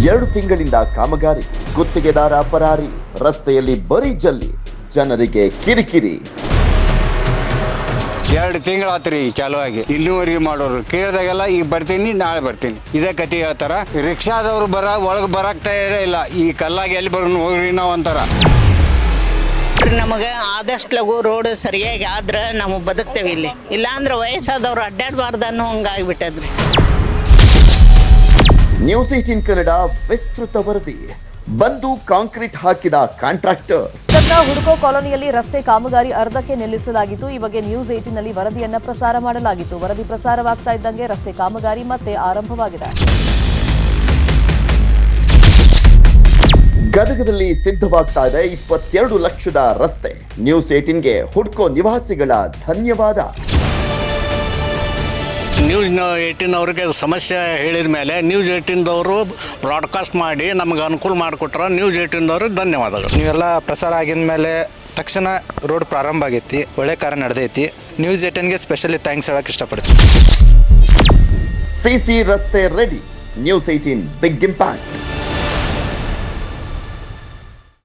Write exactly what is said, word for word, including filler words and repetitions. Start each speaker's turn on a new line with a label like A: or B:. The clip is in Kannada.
A: ಎರಡು ತಿಂಗಳಿಂದ ಕಾಮಗಾರಿ, ಗುತ್ತಿಗೆದಾರ ಪರಾರಿ, ರಸ್ತೆಯಲ್ಲಿ ಬರೀ ಜಲ್ಲಿ, ಜನರಿಗೆ ಕಿರಿಕಿರಿ.
B: ಎರಡು ತಿಂಗಳಾತ್ರಿ ಚಾಲು ಆಗಿ ಇಲ್ಲಿವರೆಗೆ ಮಾಡೋರು ಕೇಳಿದಾಗೆಲ್ಲ ಈಗ ಬರ್ತೀನಿ ನಾಳೆ ಬರ್ತೀನಿ ಇದೇ ಕತೆ ಹೇಳ್ತಾರ. ರಿಕ್ಷಾದವ್ರು ಬರ ಒಳಗೆ ಬರಾಕ್ತಾ ಇಲ್ಲ, ಈ ಕಲ್ಲಾಗಿ ಎಲ್ಲಿ ಬರೋನು ಹೋಗ್ರಿ ನಾವು ಅಂತಾರ.
C: ನಮಗೆ ಆದಷ್ಟು ಲಘು ರೋಡ್ ಸರಿಯಾಗಿ ಆದ್ರೆ ನಾವು ಬದುಕ್ತೇವೆ ಇಲ್ಲಿ, ಇಲ್ಲಾಂದ್ರೆ ವಯಸ್ಸಾದವ್ರು ಅಡ್ಡಾಡಬಾರ್ದು ಅನ್ನೋ ಹಂಗಾಗ್ಬಿಟ್ಟದ್ರಿ.
A: ನ್ಯೂಸ್ ಏಟೀನ್ ಕನ್ನಡ ವಿಸ್ತೃತ ವರದಿ. ಬಂದು ಕಾಂಕ್ರೀಟ್ ಹಾಕಿದ ಕಾಂಟ್ರಾಕ್ಟರ್.
D: ಹುಡುಕೋ ಕಾಲೋನಿಯಲ್ಲಿ ರಸ್ತೆ ಕಾಮಗಾರಿ ಅರ್ಧಕ್ಕೆ ನಿಲ್ಲಿಸಲಾಗಿತ್ತು. ಈ ಬಗ್ಗೆ ನ್ಯೂಸ್ ಏಟೀನ್ ನಲ್ಲಿ ವರದಿಯನ್ನ ಪ್ರಸಾರ ಮಾಡಲಾಗಿತ್ತು. ವರದಿ ಪ್ರಸಾರವಾಗ್ತಾ ಇದ್ದಂಗೆ ರಸ್ತೆ ಕಾಮಗಾರಿ ಮತ್ತೆ ಆರಂಭವಾಗಿದೆ.
A: ಗದಗದಲ್ಲಿ ಸಿದ್ಧವಾಗ್ತಾ ಇದೆ ಇಪ್ಪತ್ತೆರಡು ಲಕ್ಷದ ರಸ್ತೆ. ನ್ಯೂಸ್ ಏಟೀನ್ಗೆ ಹುಡ್ಕೋ ನಿವಾಸಿಗಳ ಧನ್ಯವಾದ.
B: ನ್ಯೂಸ್ ಏಟೀನ್ ಅವ್ರಿಗೆ ಸಮಸ್ಯೆ ಹೇಳಿದ ಮೇಲೆ ನ್ಯೂಸ್ ಏಟೀನ್ದವರು ಬ್ರಾಡ್ಕಾಸ್ಟ್ ಮಾಡಿ ನಮಗೆ ಅನುಕೂಲ ಮಾಡಿಕೊಟ್ರೆ ನ್ಯೂಸ್ ಏಟೀನ್ದವ್ರಿಗೆ ಧನ್ಯವಾದಗಳು.
E: ನೀವೆಲ್ಲ ಪ್ರಸಾರ ಆಗಿದ ಮೇಲೆ ತಕ್ಷಣ ರೋಡ್ ಪ್ರಾರಂಭ ಆಗೈತಿ, ಒಳ್ಳೆ ಕಾರ್ಯ ನಡೆದೈತಿ. ನ್ಯೂಸ್ ಏಟೀನ್ಗೆ ಸ್ಪೆಷಲಿ ಥ್ಯಾಂಕ್ಸ್ ಹೇಳಕ್ಕೆ ಇಷ್ಟಪಡ್ತೀನಿ.
A: ಸಿಸಿ ರಸ್ತೆ ready. News eighteen big impact.